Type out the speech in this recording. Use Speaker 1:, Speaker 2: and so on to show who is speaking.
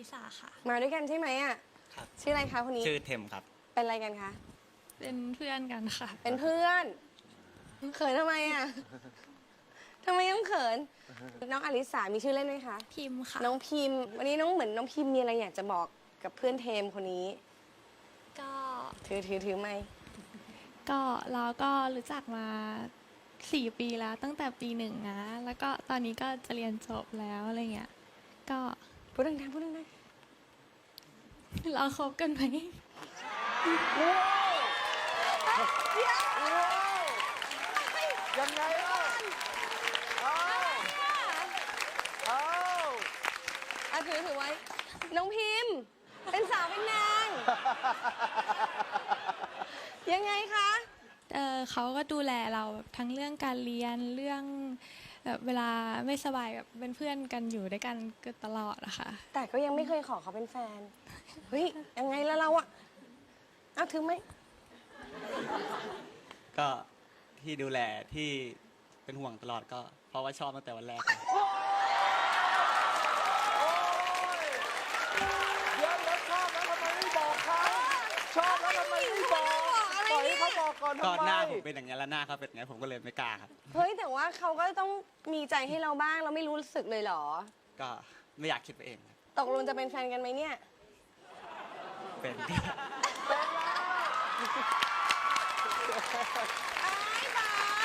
Speaker 1: สาค่ะ
Speaker 2: มาด้วยกันใช่ไหมอ่ะ
Speaker 3: ครับ
Speaker 2: ชื่ออะไรคะคนนี้
Speaker 3: ชื่อเทมครับ
Speaker 2: เป็นอะไรกันคะ
Speaker 1: เป็นเพื่อนกันค่ะ
Speaker 2: เป็นเพื่อน เขินทำไมอ่ะทำไมต้องเขิน น้องอลิสามีชื่อเล่นไหมคะ
Speaker 1: พิมพ์ค่ะ
Speaker 2: น้องพิมพ์ วันนี้น้องเหมือนน้องพิมพ์มีอะไรอยากจะบอกกับเพื่อนเทมคนนี้
Speaker 1: ก็
Speaker 2: ถือไม่
Speaker 1: ก็เราก็รู้จักมา4 ปีแล้วตั้งแต่ปี1นะแล้วก็ตอนนี้ก็จะเรียนจบแล้วอะไรเงี้ยก็
Speaker 2: พูดดังๆพูดดัง
Speaker 1: เราคบกันไหม
Speaker 4: ยังไงเล่าเอาเอา
Speaker 2: ๆอ่ะถือไว้ น้องพิมพ์ เป็นสาวเป็นนาง ยังไงคะ
Speaker 1: เขาก็ดูแลเราแบบทั้งเรื่องการเรียนเรื่องแบบเวลาไม่สบายแบบเป็นเพื่อนกันอยู่ด้วยกันก็ตลอดอะค่ะ
Speaker 2: แต่ก็ยังไม่เคยขอเขาเป็นแฟน เฮ้ย ยังไงแล้วเราอะเอาถือไหม
Speaker 3: ก็ที่ดูแลที่เป็นห่วงตลอดก็เพราะว่าชอบตั้งแต่วันแรก
Speaker 4: เดี๋ยวชอบแล้วทำไมไม่บอกเขาชอบแล้วทำไมไม่บอกปล่อยให้เขาบอกก่อน
Speaker 3: ก็
Speaker 4: ทำไม
Speaker 3: หน้าผมเป็นอย่างนี้ยแล้วหน้าเขาเป็นอย่างนี้ยผมก็เลยไม่กล้าครับ
Speaker 2: เฮ้ย แต่ว่าเขาก็ต้องมีใจให้เราบ้าง เราไม่รู้สึกเลยเหรอ
Speaker 3: ก็ไม่อยากคิดไปเองครับ
Speaker 2: ตกลงจะเป็นแฟนกันไหมเนี่ย
Speaker 3: เป็น
Speaker 2: อ้ายตาย